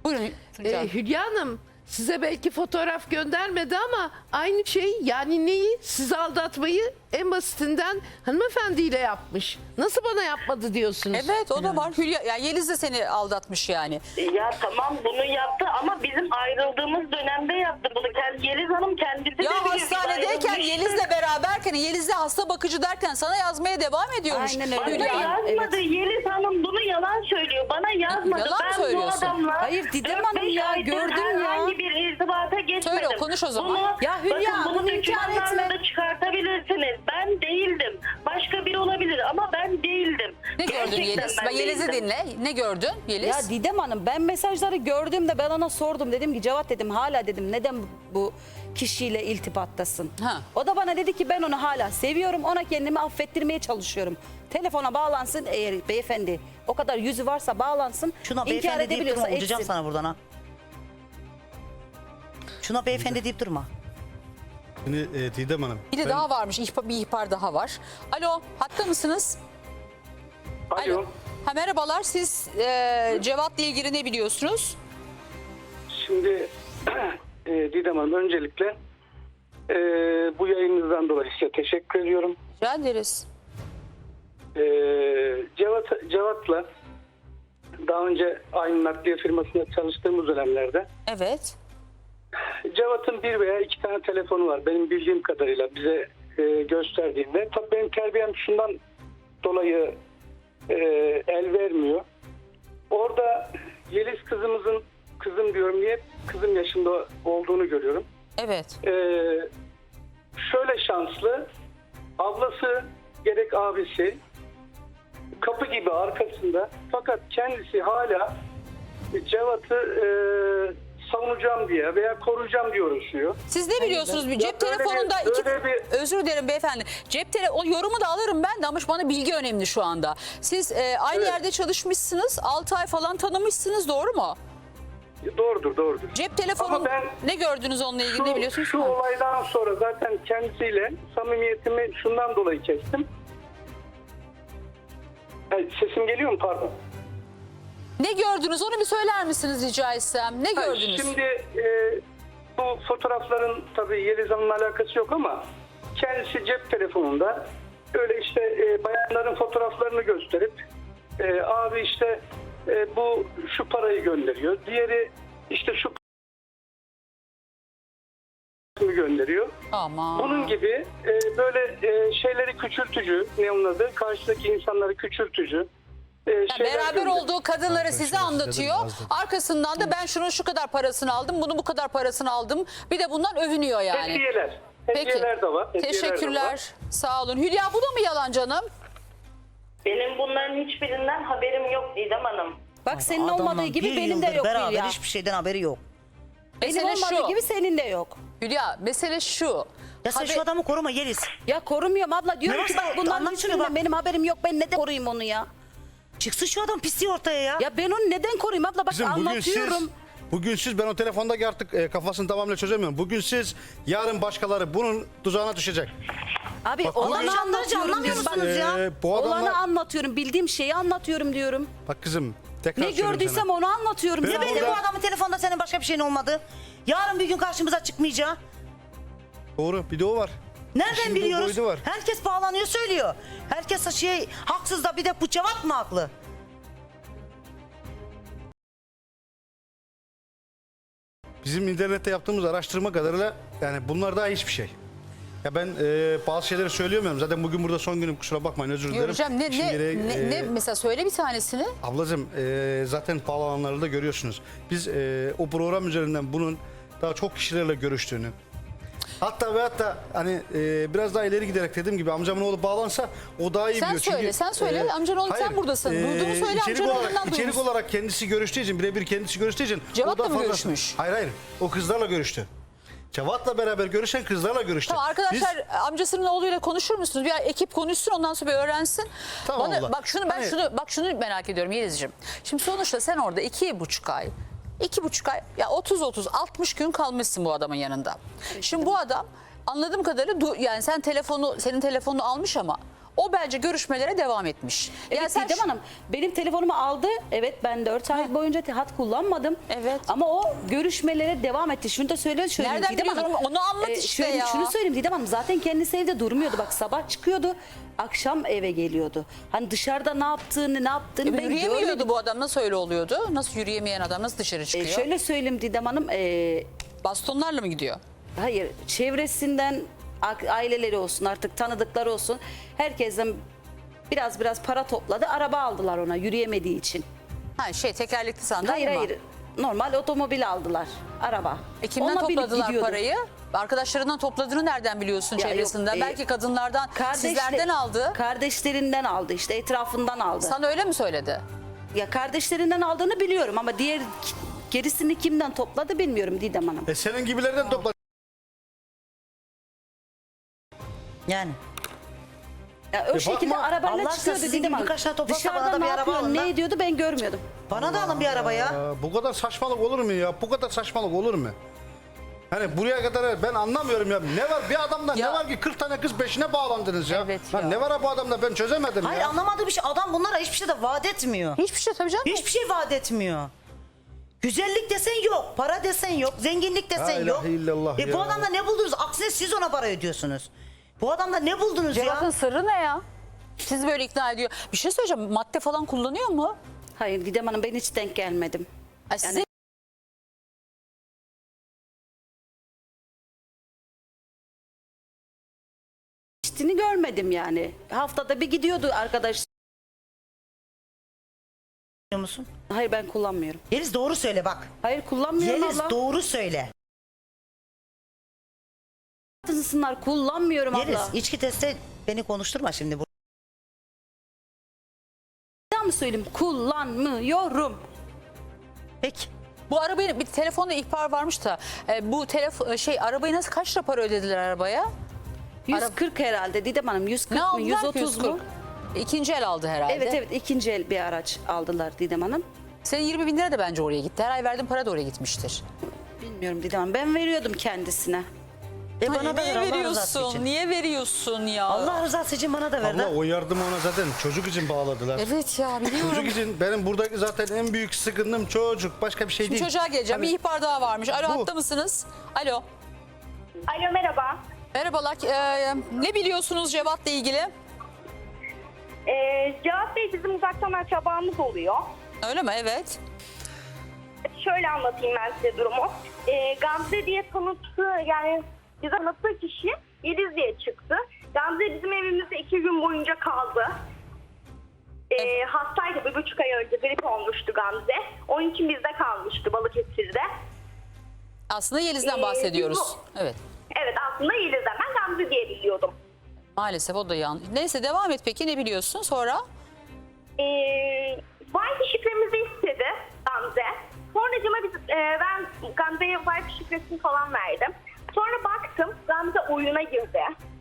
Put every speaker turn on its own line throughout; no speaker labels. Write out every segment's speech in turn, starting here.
Buyurun Tuncay.
Hülya Hanım size belki fotoğraf göndermedi ama aynı şey, yani neyi? Sizi aldatmayı en basitinden hanımefendiyle yapmış. Nasıl bana yapmadı diyorsunuz?
Evet, o da var. Hülya, yani Yeliz de seni aldatmış yani.
Ya tamam, bunu yaptı ama bizim ayrıldığımız dönemde yaptı bunu. Yeliz Hanım kendisi de
Ya
biliyor.
hastanedeyken
Ayrılmıştık.
Yeliz'le beraberken, Yeliz'le hasta bakıcı derken sana yazmaya devam ediyormuş.
Aynen öyle.
Bana
Hülya.
yazmadı. Yeliz Hanım bunu yalan söylüyor. Bana yazmadı.
Yalan
ben
söylüyorsun.
bu adamla
Hayır, Didem
4-5
Hanım ya,
aydır
gördüm ya.
herhangi bir irtibata geçmedim.
Söyle, konuş o zaman.
Ya Hülya,
bakın, bunu
bunu inkar
dokümanlarla
etme.
da çıkartabilirsiniz. Ben değildim. Başka biri olabilir ama ben değildim.
Ne gördün
Gerçekten
Yeliz?
ben
Ben Yeliz'i
değildim.
dinle. Ne gördün Yeliz?
Ya Didem Hanım, ben mesajları gördüğümde ben ona sordum. Dedim ki Cevat, dedim, hala dedim neden bu kişiyle iltibattasın?
Ha.
O da bana dedi ki ben onu hala seviyorum. Ona kendimi affettirmeye çalışıyorum. Telefona bağlansın, eğer beyefendi o kadar yüzü varsa bağlansın.
Şuna
İnkar
beyefendi deyip
edebiliyorsa
durma. Uçacağım
etsin.
sana buradan ha. Şuna beyefendi deyip durma.
Şimdi Didem Hanım.
Bir de daha varmış. Bir ihbar daha var. Alo, hatta mısınız?
Alo.
Ha, merhabalar. Siz Cevat'la ilgili ne biliyorsunuz?
Şimdi Didem Hanım, öncelikle bu yayınınızdan dolayı size teşekkür ediyorum.
Rica ederiz.
Cevat'la daha önce aynı nakliye firmasında çalıştığımız dönemlerde
Evet.
Cevat'ın bir veya iki tane telefonu var benim bildiğim kadarıyla bize gösterdiğinde. Tabii benim terbiyem şundan dolayı el vermiyor. Orada Yeliz kızım diyorum, niye kızım yaşında olduğunu görüyorum.
Evet.
Şöyle şanslı, ablası gerek abisi kapı gibi arkasında, fakat kendisi hala Cevat'ı savunacağım diye veya koruyacağım diye uğraşıyor.
Siz ne biliyorsunuz? Bir cep
böyle
telefonunda
bir-
özür dilerim beyefendi. O yorumu da alırım ben de ama bana bilgi önemli şu anda. Siz aynı
Evet.
yerde çalışmışsınız. 6 ay falan tanımışsınız, doğru mu?
Doğrudur.
Cep telefonu
Ama ben
ne gördünüz onunla ilgili, ne biliyorsunuz?
Şu
Ha.
olaydan sonra zaten kendisiyle samimiyetimi şundan dolayı kestim. Sesim geliyor mu, pardon?
Ne gördünüz, onu bir söyler misiniz rica etsem? Ne gördünüz?
Şimdi bu fotoğrafların tabii Yeliz Hanım'la alakası yok ama kendisi cep telefonunda öyle işte bayanların fotoğraflarını gösterip abi işte bu şu parayı gönderiyor. Diğeri işte şu parayı gönderiyor.
Aman.
Bunun gibi böyle şeyleri küçültücü, ne onun adı, karşıdaki insanları küçültücü.
Yani
şeyler
beraber
gönderiyor.
olduğu kadınları size anlatıyor.
yazdım.
Arkasından da ben şunun şu kadar parasını aldım, bunu bu kadar parasını aldım. Bir de bundan övünüyor yani.
Hediyeler.
Peki.
Hediyeler de var. hediyeler de
Teşekkürler.
var.
Sağ olun. Hülya, bu da mı yalan canım?
Benim bunların hiçbirinden haberim yok Didem Hanım.
Bak senin
Adamla
olmadığı gibi
bir
benim de
yıldır
yok
beraber
Hülya.
hiçbir şeyden haberi yok.
Benim
Mesele
olmadığı
şu.
gibi senin de yok.
Hülya, mesele şu.
Ya sen şu adamı koruma Yeliz.
Ya korumuyorum abla, diyorum
Ne
ki
varsa
bak bundan
anlat şunu
hiçbirinden
bak.
benim haberim yok. Ben neden koruyayım onu ya?
Çıksın şu adam pisliği ortaya ya.
Ya ben onu neden koruyayım abla, bak
Bizim
anlatıyorum.
bugün siz ben o telefondaki artık kafasını tamamıyla çözemiyorum. Bugün siz, yarın başkaları bunun tuzağına düşecek.
Abi
Bak,
olanı
konuşanları
anlatıyorum.
anlamıyor
diyorum.
musunuz ya?
Bu
Olanı
adamlar...
anlatıyorum. Bildiğim şeyi anlatıyorum diyorum.
Bak kızım, tekrar
Ne
söylüyorum
gördüysem
sana.
onu anlatıyorum.
Ben
Ne
sana.
belli bu adamın telefonda senin başka bir şeyin olmadı. Yarın bir gün karşımıza çıkmayacağı.
Doğru, bir de o var.
Nereden
İşin bu
biliyoruz?
boyutu var.
Herkes bağlanıyor söylüyor. Herkes haksız da bir de bu Cevat mı haklı?
Bizim internette yaptığımız araştırma kadarıyla yani bunlar daha hiçbir şey. Ya ben bazı şeyleri söyleyemiyorum. Zaten bugün burada son günüm, kusura bakmayın, özür dilerim.
Göreceğim. Ne mesela söyle bir tanesini.
Ablacığım zaten bağlananları da görüyorsunuz. Biz o program üzerinden bunun daha çok kişilerle görüştüğünü, hatta hani biraz daha ileri giderek dediğim gibi amcamın oğlu bağlansa o daha iyi
Sen
biliyor.
söyle, sen söyle. Amcanın oğlu, sen buradasın. Duyduğunu söyle, amcanın oğlundan
İçerik
duymuşsun.
olarak kendisi görüştüğü için, birebir kendisi görüştüğü için.
Cevat'la
o da
mı
fazla-
görüşmüş?
Hayır, o kızlarla görüştü. Cevat'la beraber görüşen kızlarla görüştü.
Tamam arkadaşlar, amcasının oğluyla konuşur musunuz? Bir ekip konuşsun, ondan sonra bir öğrensin.
Tamam abla.
Bak
Hani-
şunu merak ediyorum Yelizciğim. Şimdi sonuçta sen orada 2,5 ay ya 30-60 gün kalmışsın bu adamın yanında. Şimdi bu adam anladığım kadarıyla yani senin telefonunu almış ama O bence görüşmelere devam etmiş.
Evet
Yani sen
Didem Hanım benim telefonumu aldı. Evet ben 4 ay boyunca hat kullanmadım.
Evet.
Ama o görüşmelere devam etti. Şunu da söyleyeyim
Nereden
Didem Hanım.
biliyorsun? Onu anlat işte ya.
Şunu söyleyeyim Didem Hanım. Zaten kendisi evde durmuyordu. Bak sabah çıkıyordu. Akşam eve geliyordu. Hani dışarıda ne yaptığını ben
Yürüyemiyordu
görmedim.
bu adam, nasıl öyle oluyordu? Nasıl yürüyemeyen adam nasıl dışarı çıkıyor?
Şöyle söyleyeyim Didem Hanım.
Bastonlarla mı gidiyor?
Hayır çevresinden aileleri olsun artık tanıdıkları olsun. Herkesten biraz para topladı. Araba aldılar ona yürüyemediği için.
Ha tekerlekli sandalye
Hayır
mi?
hayır. Normal otomobil aldılar. Araba.
Kimden
Onunla binip
topladılar
gidiyordu.
parayı? Arkadaşlarından topladığını nereden biliyorsun
Ya yok,
çevresinden? Belki kadınlardan, sizlerden aldı.
Kardeşlerinden aldı işte etrafından aldı.
Sana öyle mi söyledi?
Ya kardeşlerinden aldığını biliyorum ama gerisini kimden topladı bilmiyorum Didem Hanım.
Senin gibilerden topladı.
Yani.
Ya o şekilde
bakma,
arabayla
Allah aşkına
çıkıyordu
sizin
Didem
gibi
Hanım.
birkaç tane toplasa
Dışarıda
bana da
ne
bir araba
yapıyor,
alın
ne
lan.
ediyordu ben görmüyordum.
Bana da alın bir araba ya.
Bu kadar saçmalık olur mu ya? Bu kadar saçmalık olur mu? Hani buraya kadar ben anlamıyorum ya. Ne var bir adamda
Ya-
ne var ki 40 tane kız peşine bağlandınız ya.
Evet
Lan
ya.
ne var bu adamda ben çözemedim
Hayır
ya.
anlamadığı bir şey. Adam bunlara hiçbir şey de vaat etmiyor.
Hiçbir şey tabii canım.
Hiçbir şey vaat etmiyor. Güzellik desen yok, para desen yok, zenginlik
La
desen
ilahe
yok.
illallah
Bu
ya.
adamda ne buldunuz? Aksine siz ona para ödüyorsunuz. Bu adamda ne buldunuz
Cevat'ın
ya?
sırrı ne ya? Sizi böyle ikna ediyor. Bir şey söyleyeceğim. Madde falan kullanıyor mu?
Hayır Didem Hanım ben hiç denk gelmedim.
Ay size
İçtiğini görmedim yani. Haftada bir gidiyordu arkadaş.
Biliyor musun?
Hayır ben kullanmıyorum.
Yeliz doğru söyle bak.
Hayır kullanmıyorum
Yeliz
abla.
doğru söyle.
Isınlar kullanmıyorum
Yeliz
abla.
içki testi beni konuşturma şimdi.
Bir daha mı söyleyeyim? Kullanmıyorum.
Peki.
bu arabayı bir telefonda ihbar varmış da bu arabayı nasıl kaç lira para ödediler arabaya?
140 herhalde Didem Hanım. 140
Ne
mı?
aldılar ki
130 mu?
140? İkinci el aldı herhalde.
Evet ikinci el bir araç aldılar Didem Hanım.
Senin 20 bin lira da bence oraya gitti. Her ay verdiğin para da oraya gitmiştir.
Bilmiyorum Didem Hanım. Ben veriyordum kendisine.
Bana da
Niye
ver Allah rızası
veriyorsun?
için.
Niye veriyorsun ya?
Allah rızası için bana da ver
Abla
lan.
o yardımı ona zaten çocuk için bağladılar.
Evet ya biliyorum.
Çocuk için benim buradaki zaten en büyük sıkıntım çocuk. Başka bir şey
Şimdi
değil.
çocuğa geleceğim.
Hani-
Bir ihbar daha varmış. Alo
Bu.
hatta mısınız? Alo.
Alo merhaba.
Merhabalar. Ne biliyorsunuz Cevat'la ilgili?
Cevat Bey bizim uzaktan akrabamız oluyor.
Öyle mi? Evet.
Şöyle anlatayım ben size durumu. Gamze diye yani bize tanıttığı kişi Yeliz diye çıktı. Gamze bizim evimizde 2 gün boyunca kaldı. Hastaydı, 1,5 ay önce grip olmuştu Gamze. Onun için bizde kalmıştı Balıkesir'de.
Aslında Yeliz'den bahsediyoruz.
bu-
Evet.
Evet aslında Yeliz'den ben Gamze diye biliyordum.
Maalesef o da yanlış. Neyse devam et peki, ne biliyorsun sonra?
Wi-Fi şifremizi istedi Gamze. Sonracıma ben Gamze'ye Wi-Fi şifresini falan verdim. Sonra baktım Gamze oyuna girdi.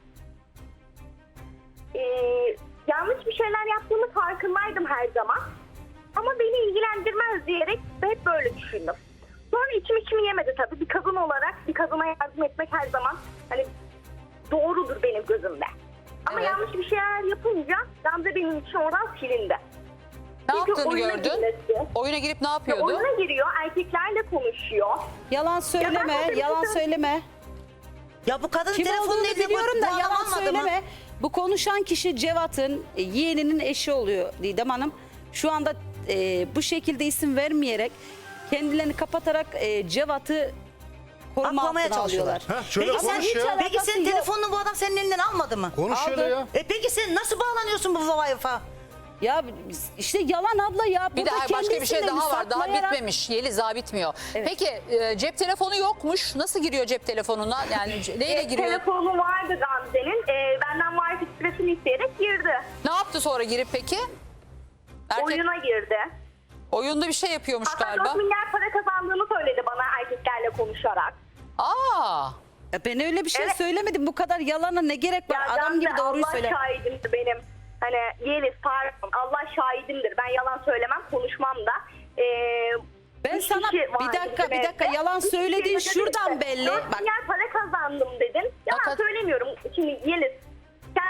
Yanlış bir şeyler yaptığımı farkındaydım her zaman. Ama beni ilgilendirmez diyerek hep böyle düşündüm. Sonra içim yemedi tabii. Bir kadın olarak bir kadına yardım etmek her zaman hani doğrudur benim gözümde. Ama
Evet.
yanlış bir şeyler yapınca Gamze benim için oradan silindi.
Ne
Çünkü
yaptığını
oyuna
gördün?
girmesi.
Oyuna girip ne yapıyordu?
Oyuna giriyor, erkeklerle konuşuyor.
Yalan söyleme,
zaten
yalan
bizim-
söyleme.
Ya bu kadın
Kim
telefonun
olduğunu
eline
biliyorum
koyup
da
bu adam
yalan
almadı mı?
söyleme. Bu konuşan kişi Cevat'ın yeğeninin eşi oluyor Didem Hanım. Şu anda bu şekilde isim vermeyerek kendilerini kapatarak Cevat'ı koruma
Aklamaya
altına
çalışıyorlar.
alıyorlar.
Ha, şöyle
Peki sen,
konuş ya.
peki senin
yok.
telefonunu bu adam senin elinden almadı mı?
Konuş
Aldı.
şöyle ya.
Peki sen nasıl bağlanıyorsun bu Wi-Fi'ye?
Ya işte yalan abla ya.
Bir de
Burada
başka bir şey
kendi
daha var. Daha
isimlerini
bitmemiş. Yeliz daha bitmiyor.
Evet.
Peki cep telefonu yokmuş. Nasıl giriyor cep telefonuna? Yani neyle giriyor?
Telefonu vardı Gamze'nin. Benden Wi-Fi şifresini isteyerek girdi.
Ne yaptı sonra girip peki?
Oyuna girdi.
Oyunda bir şey yapıyormuş
Hatta
galiba.
4 milyar para kazandığını söyledi bana erkeklerle konuşarak.
Aa.
Ya ben öyle bir şey
Evet.
söylemedim. Bu kadar yalana ne gerek var?
Ya
Adam
Gamze,
gibi doğruyu
Allah
söyle.
şahidimdir benim. Hani Yeliz pardon Allah şahidimdir. Ben yalan söylemem konuşmam da.
Ben
Üç
sana
kişi vardı
bir dakika
bizim evde.
yalan
Üç kişi
söylediğin
dedi
şuradan
işte,
belli.
4
Bak
milyar para kazandım dedin. Yalan
Fakat-
söylemiyorum. Şimdi Yeliz sen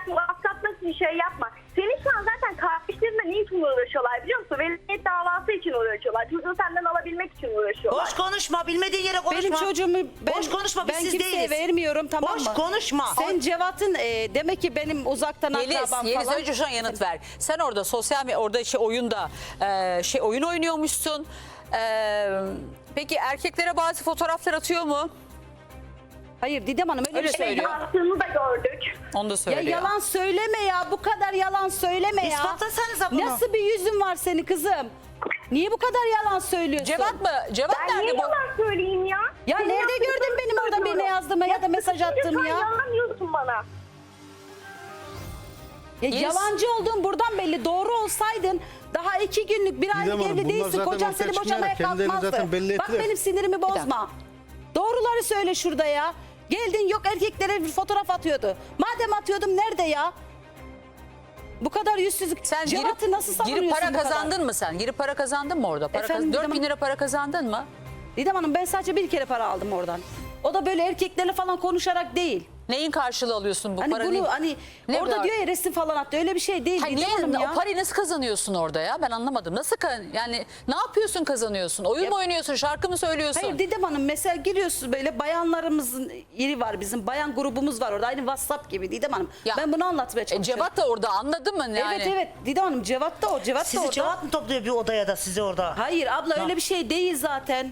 WhatsApp'ta bir şey yapma. Senin şu an zaten kardeşlerinle ne için uğraşıyorlar biliyor musun? Velayet davası için uğraşıyorlar. Çocuğu senden alabilmek için uğraşıyorlar.
Boş konuşma, bilmediğin yere konuşma.
Benim çocuğumu
Boş konuşma, biz
ben
siz
kimseye
değiliz.
vermiyorum, tamam
Boş
mı?
konuşma.
Sen Cevat'ın demek ki benim uzaktan akrabam
Yeliz
falan.
önce şuna yanıt ver. Sen orada sosyal orada oyunda oyun oynuyormuşsun. Peki erkeklere bazı fotoğraflar atıyor mu?
Hayır Didem Hanım öyle
Öyle
bir şey
söylüyor.
yok.
Yaptığını da gördük.
Onu da
Ya
söylüyor.
yalan söyleme ya, bu kadar yalan söyleme ya.
İspatlasanıza bunu.
Nasıl bir yüzün var senin kızım? Niye bu kadar yalan söylüyorsun?
Cevat mı? Cevat
Ben niye
nerede bu?
yalan söyleyeyim ya?
Ya
Senin
nerede
yaptığını
gördün benim orada
söylüyorum.
birine yazdığımı ya da mesaj attığımı ya?
Yalanlıyorsun bana.
Ya
Yeliz.
yalancı olduğun buradan belli. Doğru olsaydın daha 2 günlük bir aylık
Hanım,
evli
bunlar
değilsin.
zaten
Kocan
ortaya
seni
çıkmayarak
boşamaya
kendilerini
kalkmazdı.
zaten belli
Bak
ettiler.
benim sinirimi bozma. Doğruları söyle şurada ya. Geldin yok erkeklere bir fotoğraf atıyordu. Madem atıyordum nerede ya? Bu kadar yüzsüzlük.
Sen
Cevat'ı nasıl savunuyorsun
girip para
bu kadar?
kazandın mı sen? Girip para kazandın mı orada? Para
Efendim,
4 bin
Didem
lira para kazandın mı?
Didem Hanım ben sadece bir kere para aldım oradan. O da böyle erkeklerle falan konuşarak değil.
Neyin karşılığı alıyorsun bu
Hani
para?
bunu hani
Ne
orada
var?
diyor ya resim falan attı. Öyle bir şey değil
Hayır,
Didem
niye,
Hanım ya.
o parayı nasıl kazanıyorsun orada ya? Ben anlamadım. Nasıl yani ne yapıyorsun kazanıyorsun? Oyun mu oynuyorsun? Şarkı mı söylüyorsun?
Hayır Didem Hanım mesela giriyorsun böyle bayanlarımızın yeri var bizim. Bayan grubumuz var orada. Aynı WhatsApp gibi Didem Hanım.
Ya,
Ben bunu anlatmaya çalışıyorum.
Cevat da orada anladın mı? Yani?
Evet evet Didem Hanım Cevat da o. Cevat da
Sizi
orada.
Cevat mı topluyor bir odaya da sizi orada?
Hayır abla öyle bir şey değil zaten.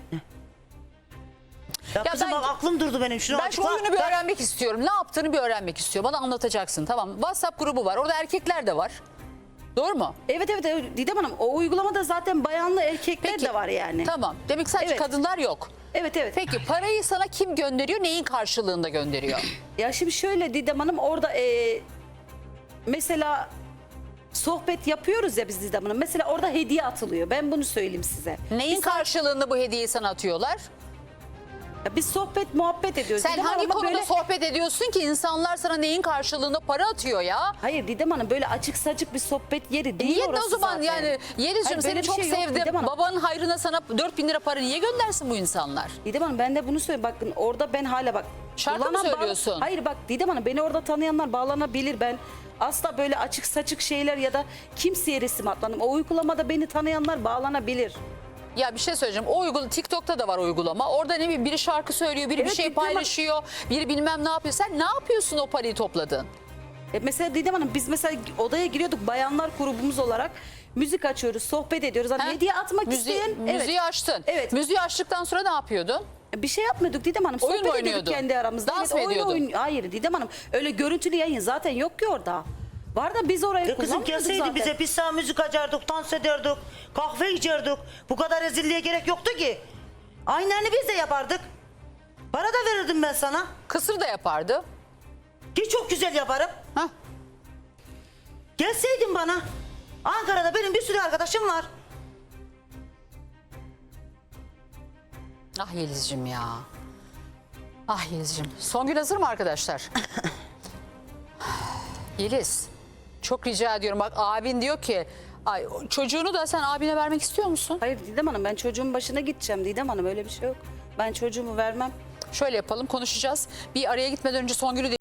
Ya,
Ya
kızım
ben-
bak aklım durdu benim. Şunu
Ben şu
açıkla.
oyunu bir öğrenmek istiyorum. Ne yaptığını bir öğrenmek istiyorum. Bana anlatacaksın. Tamam. WhatsApp grubu var. Orada erkekler de var. Doğru mu?
Evet Didem Hanım o uygulamada zaten bayanlı erkekler de var yani.
Tamam. Demek ki sadece
Evet.
kadınlar yok.
Evet evet.
Peki parayı sana kim gönderiyor? Neyin karşılığında gönderiyor?
Ya şimdi şöyle Didem Hanım orada mesela sohbet yapıyoruz ya biz Didem Hanım. Mesela orada hediye atılıyor. Ben bunu söyleyeyim size.
Neyin karşılığında bu hediyeyi sana atıyorlar?
Ya biz sohbet muhabbet ediyoruz.
Sen
Didem
hangi
Hanım ama
konuda
böyle...
sohbet ediyorsun ki insanlar sana neyin karşılığında para atıyor ya?
Hayır Didem Hanım böyle açık saçık bir sohbet yeri değil
Niye de
orası
o zaman
zaten.
yani Yeliz'cim
Hayır,
seni
böyle bir
çok
şey yok
sevdim.
Didem Hanım.
Babanın hayrına sana 4 bin lira para niye göndersin bu insanlar?
Didem Hanım ben de bunu söyleyeyim. Bakın orada ben hala bak.
Şarkı mı
kullanan
söylüyorsun?
Hayır bak Didem Hanım beni orada tanıyanlar bağlanabilir. Ben asla böyle açık saçık şeyler ya da kimseye resim atmadım. O uygulamada beni tanıyanlar bağlanabilir.
Ya bir şey söyleyeceğim. O TikTok'ta da var uygulama. Orada ne bileyim biri şarkı söylüyor, biri bir
Evet,
şey
Didem Hanım.
paylaşıyor, biri bilmem ne yapıyor. Sen ne yapıyorsun o parayı topladın?
Mesela Didem Hanım biz mesela odaya giriyorduk bayanlar grubumuz olarak. Müzik açıyoruz, sohbet ediyoruz. Hani
Ha?
hediye atmak isteyen.
Müziği açtın.
Evet.
Müziği açtıktan sonra ne yapıyordun?
Bir şey yapmıyorduk Didem Hanım.
Oyun mu
Sohbet ediyorduk
oynuyordun?
kendi aramızda.
Dans mı ediyordun?
Hayır Didem Hanım. Öyle görüntülü yayın zaten yok ki orada. Var da biz orayı
Ya kızım
kullanmıyorduk
gelseydi
zaten.
bize biz sana müzik açardık, dans ederdik, kahve içerdik. Bu kadar rezilliğe gerek yoktu ki. Aynılarını biz de yapardık. Para da verirdim ben sana.
Kısır da yapardı.
Ki çok güzel yaparım.
Hah.
Gelseydin bana. Ankara'da benim bir sürü arkadaşım var.
Ah Yeliz'cim ya. Ah Yeliz'cim. Songül hazır mı arkadaşlar? Yeliz. Çok rica ediyorum. Bak abin diyor ki ay, çocuğunu da sen abine vermek istiyor musun?
Hayır Didem Hanım ben çocuğumun başına gideceğim Didem Hanım öyle bir şey yok. Ben çocuğumu vermem.
Şöyle yapalım konuşacağız. Bir araya gitmeden önce Songül'ü